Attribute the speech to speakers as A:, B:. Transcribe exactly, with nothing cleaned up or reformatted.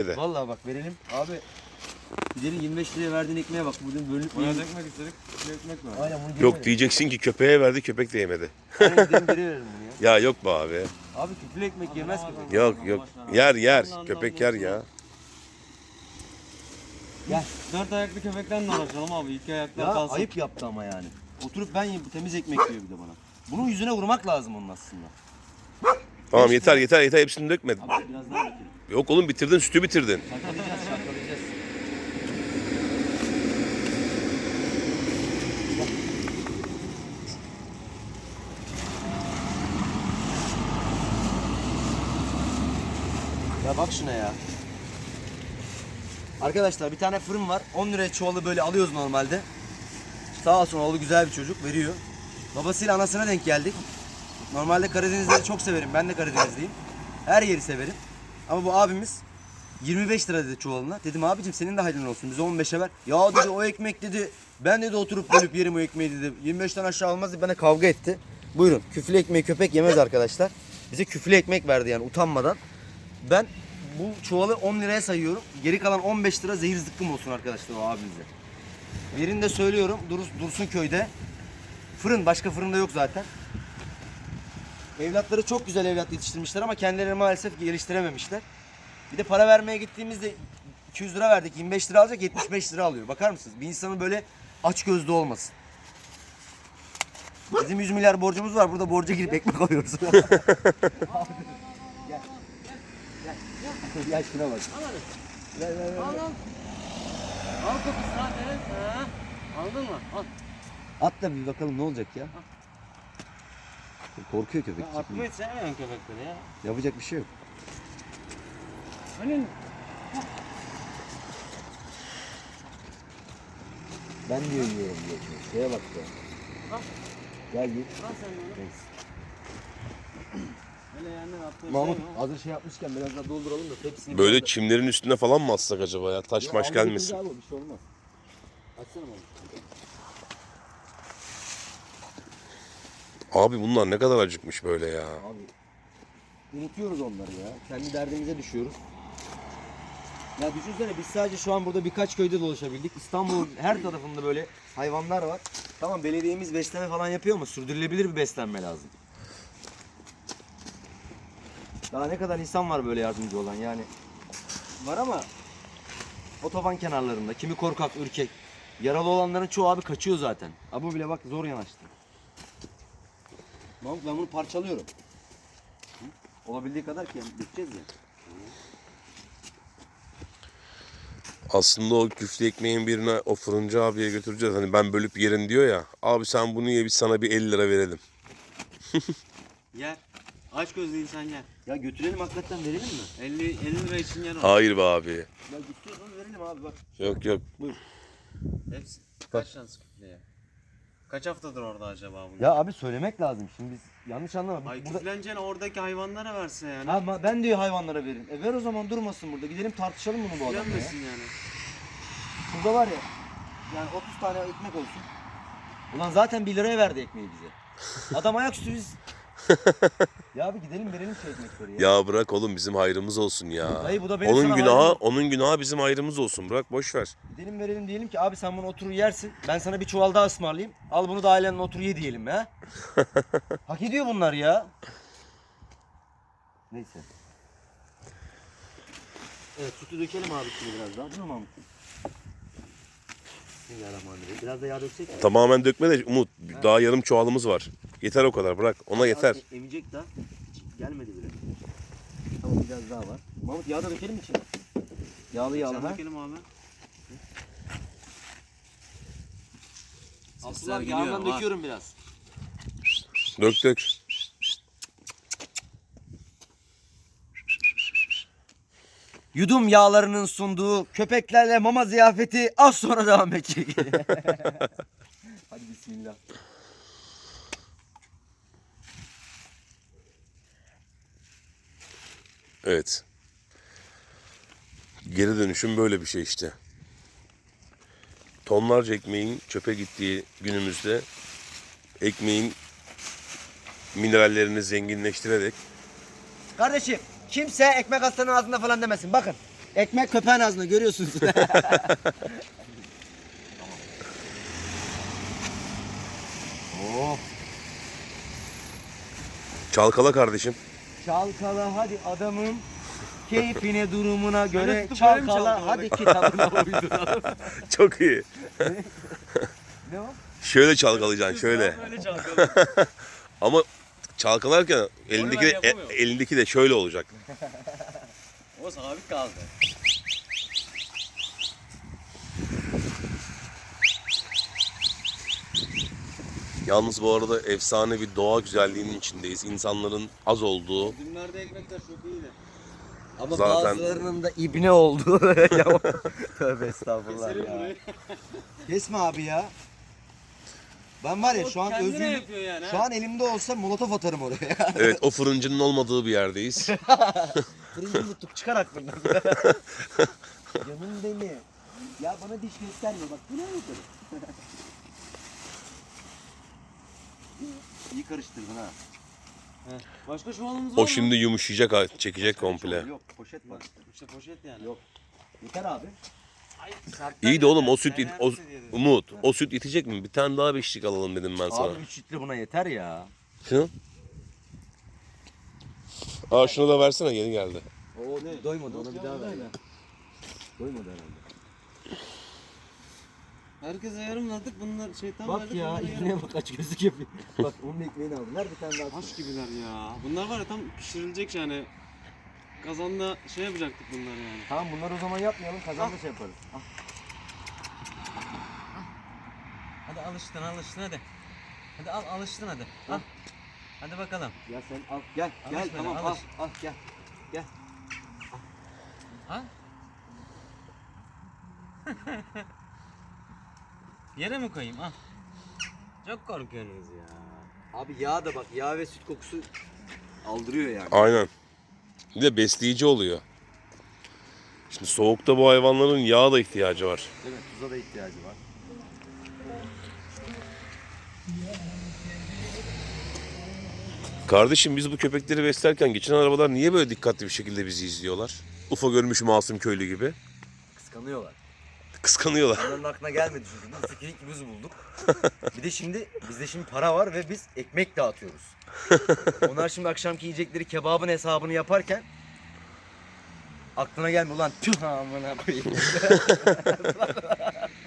A: Vallahi bak verelim. Abi gidelim yirmi beş liraya verdiğin ekmeğe bak. Bugün bölünüp
B: Buna ekmek istedik. Bir ekmek var.
A: Aynen bunu
C: Yok diyeceksin ki köpeğe verdi, köpek de yemedi.
A: Aynen gidelim geri verelim bunu ya.
C: Ya yok be abi.
A: Abi küflü ekmek yemez köpek.
C: Yok yok. Yer yer. Köpek yer ya.
A: Gel.
B: Dört ayaklı köpekten de uğraşalım abi. İki ayaklı
A: Ya
B: kalsın.
A: ayıp yaptı ama yani. Oturup ben yiyeyim, bu temiz ekmek diyor bir de bana. Bunun yüzüne vurmak lazım onun aslında.
C: Tamam yeter yeter yeter, hepsini dökmedin.
A: Abi biraz daha dökelim.
C: Yok oğlum, bitirdin, sütü bitirdin.
A: Şakalayacağız şakalayacağız. Ya bak şuna ya. Arkadaşlar bir tane fırın var. on liraya çuvalı böyle alıyoruz normalde. Sağ olsun oğlu güzel bir çocuk, veriyor. Babasıyla anasına denk geldik. Normalde Karadenizleri çok severim. Ben de Karadenizliyim. Her yeri severim. Ama bu abimiz yirmi beş lira dedi çuvalına. Dedim abicim senin de hayrın olsun. Bize on beşe ver. Ya dedi o ekmek dedi. Ben dedi oturup bölüp yerim o ekmeği dedi. yirmi beşten aşağı olmaz dedi. Bana kavga etti. Buyurun. Küflü ekmeği köpek yemez arkadaşlar. Bize küflü ekmek verdi yani utanmadan. Ben bu çuvalı on liraya sayıyorum. Geri kalan on beş lira zehir zıkkım olsun arkadaşlar o abimize. Yerinde söylüyorum. Durus, Dursun köyde. Fırın. Başka fırında yok zaten. Evlatları çok güzel evlat yetiştirmişler ama kendilerini maalesef geliştirememişler. Bir de para vermeye gittiğimizde iki yüz lira verdik. yirmi beş lira alacak, yetmiş beş lira alıyor. Bakar mısınız? Bir insanın böyle aç gözlü olmasın. Bizim yüz milyar borcumuz var. Burada borca girip ekmek alıyoruz. Gel. Gel. Gel. Gel şuna bak. Ver ver ver.
B: Al al. Al kapısını ha Deren. Ha. Aldın mı? Al.
A: At da bir bakalım ne olacak ya. Korkuyor köpek.
B: Ya atmayı sevmeyen köpekleri ya.
A: Yapacak bir şey yok.
B: Hani
A: Ben diyor yiyorum diyor. Şeye bak ya.
B: Al.
A: Gel git.
B: al sen bunu. Öyle yani atmayı
A: Mahmut
B: sevmiyorum.
A: hazır şey yapmışken biraz daha dolduralım da hepsini.
C: Böyle
A: biraz da-
C: çimlerin üstüne falan mı atsak acaba ya? Taş
A: Ya
C: maş
A: al
C: gelmesin.
A: götür abi, bir şey olmaz. Açsana Mahmut.
C: Abi bunlar ne kadar acıkmış böyle ya.
A: Abi unutuyoruz onları ya. Kendi derdimize düşüyoruz. Ya düşünsene biz sadece şu an burada birkaç köyde dolaşabildik. İstanbul'un her tarafında böyle hayvanlar var. Tamam belediyemiz besleme falan yapıyor ama sürdürülebilir bir beslenme lazım. Daha ne kadar insan var böyle yardımcı olan yani. Var ama otoban kenarlarında kimi korkak, ürkek. Yaralı olanların çoğu abi kaçıyor zaten. Abi bu bile bak zor yanaştı. Mahmut ben bunu parçalıyorum. Hı? Olabildiği kadar ki yani dökeceğiz ya.
C: Aslında o küflü ekmeğin birine o fırıncı abiye götüreceğiz. Hani ben bölüp yerim diyor ya. Abi sen bunu ye, biz sana bir elli lira verelim.
B: Yer. Aç gözlü insan yer.
A: Ya götürelim hakikaten verelim mi?
B: elli elli lira için yer o.
C: Hayır be abi.
A: Ya istiyorsanız verelim abi bak.
C: Yok yok.
B: Hepsi. Kaç şans küfleye? Kaç haftadır orada acaba bunlar?
A: Ya abi söylemek lazım şimdi biz yanlış anlama.
B: Ay
A: Burada...
B: küfleneceğine oradaki hayvanlara verse yani.
A: Ha, ma- ben diyor hayvanlara verin. E ver o zaman durmasın burada. Gidelim tartışalım bunu bu adamla ya.
B: Küflenmesin yani.
A: Burada var ya yani otuz tane ekmek olsun. Ulan zaten bir liraya verdi ekmeği bize. Adam ayaküstü biz. Ya abi gidelim verelim şu ekmekleri ya.
C: Ya bırak oğlum, bizim hayrımız olsun ya.
A: Dayı bu da benim
C: Onun
A: sana
C: günahı,
A: hayrım.
C: onun günahı bizim hayrımız olsun. Bırak boş ver.
A: Gidelim verelim diyelim ki abi sen bunu oturur yersin. Ben sana bir çuval daha ısmarlayayım. Al bunu da ailenle otur ye diyelim ya. Hak ediyor bunlar ya. Neyse. Evet sütü dökelim abi şimdi biraz daha. Değil mi Mahmut? Bismillahirrahmanirrahim. Biraz da yağ döksek mi?
C: Tamamen dökme de Umut. Daha yarım çuvalımız var. Yeter o kadar, bırak. Ona yeter.
A: Az e- Emecek daha. Hiç gelmedi bile. Tamam biraz daha var. Mahmut yağ da dökelim içine. Yağlı yağlı
B: Sen
A: ha.
B: dökelim abi. Sesler
A: Abdullah
B: geliyor.
A: yağından
B: Var.
A: döküyorum biraz.
C: Dök dök.
A: Yudum yağlarının sunduğu köpeklerle mama ziyafeti az sonra devam edecek. Hadi bismillah.
C: Evet. Geri dönüşüm böyle bir şey işte. Tonlarca ekmeğin çöpe gittiği günümüzde ekmeğin minerallerini zenginleştirerek
A: Kardeşim kimse ekmek hastanın ağzında falan demesin. Bakın Ekmek köpeğin ağzında görüyorsunuz. Oh.
C: Çalkala kardeşim.
A: Çalkala hadi adamım. Keyfine durumuna göre
B: tutup böyle mi
A: çalkala
B: çalkaladık?
A: hadi kitabına uyduralım.
C: Çok iyi.
A: Ne o?
C: Şöyle çalkalayacaksın şöyle.
B: Böyle çalkalım.
C: Ama çalkalarken elindeki de,
B: yapamıyorum.
C: e- elindeki de şöyle olacak.
B: O sabit kaldı.
C: Yalnız bu arada efsane bir doğa güzelliğinin içindeyiz. İnsanların az olduğu.
B: Dünlerde ekmekler çok iyiydi.
A: Ama
C: Zaten-
A: bazılarının da ibne oldu. Tövbe estağfurullah
B: Keselim
A: ya.
B: burayı.
A: Kesme abi ya. Ben var ya
B: O
A: şu an
B: kendine
A: özgürlük,
B: yapıyor yani,
A: şu
B: ha.
A: an elimde olsa molotof atarım oraya.
C: Evet, o fırıncının olmadığı bir yerdeyiz.
A: Fırıncı mutluluk çıkar aklından. Canım beni. Ya bana diş gösterme bak. Bu ne yapalım? İyi karıştırdın ha.
B: Başka çuvalımız var mı?
C: O şimdi yumuşayacak, ha, çekecek komple.
A: Yok poşet var.
B: İşte poşet yani.
A: Yok. Yeter abi.
B: Ay, sertler
C: İyi de oğlum
B: ya.
C: o süt, it-
B: Sen
C: o,
B: yersin diye dedim.
C: Umut, o süt itecek mi? Bir tane daha beşlik alalım dedim ben sana.
A: Abi üç litre buna yeter ya.
C: Şunu. Aa şunu da versene, yeni geldi.
A: O doymadı ona bir daha ver. ya. Doymadı herhalde.
B: Herkese yarım verdik, bunlar şeytan
A: Bak
B: verdik,
A: ya
B: bunlara yarım.
A: ibneye bak aç gözlük yapıyor. Bak onun ekmeğini aldım. Ver bir tane daha.
B: Taş gibiler ya. Bunlar var ya tam pişirilecek yani. Kazanda şey yapacaktık bunlar yani.
A: Tamam bunları o zaman yapmayalım kazanda şey yaparız. Al.
B: Hadi alıştın alıştın hadi. Hadi al alıştın hadi. Al. Hadi bakalım.
A: Ya sen al gel
B: Alış
A: gel
B: böyle,
A: tamam
B: alış.
A: al al gel. Gel.
B: Ha? Yere mi koyayım? Al. Çok korkuyorsunuz ya.
A: Abi yağ da bak yağ ve süt kokusu aldırıyor yani.
C: Aynen. Bir de besleyici oluyor. Şimdi soğukta bu hayvanların yağa da ihtiyacı var.
A: Değil mi? Tuza da ihtiyacı var.
C: Kardeşim biz bu köpekleri beslerken geçen arabalar niye böyle dikkatli bir şekilde bizi izliyorlar? Ufa görmüş masum köylü gibi.
A: Kıskanıyorlar.
C: Kıskanıyorlar.
A: Onların aklına gelmedi çünkü. Biz fikirik gibi bulduk. Bir de şimdi bizde şimdi para var ve biz ekmek dağıtıyoruz. Onlar şimdi akşamki yiyecekleri kebabın hesabını yaparken aklına gelmiyor ulan tüh amına koyayım.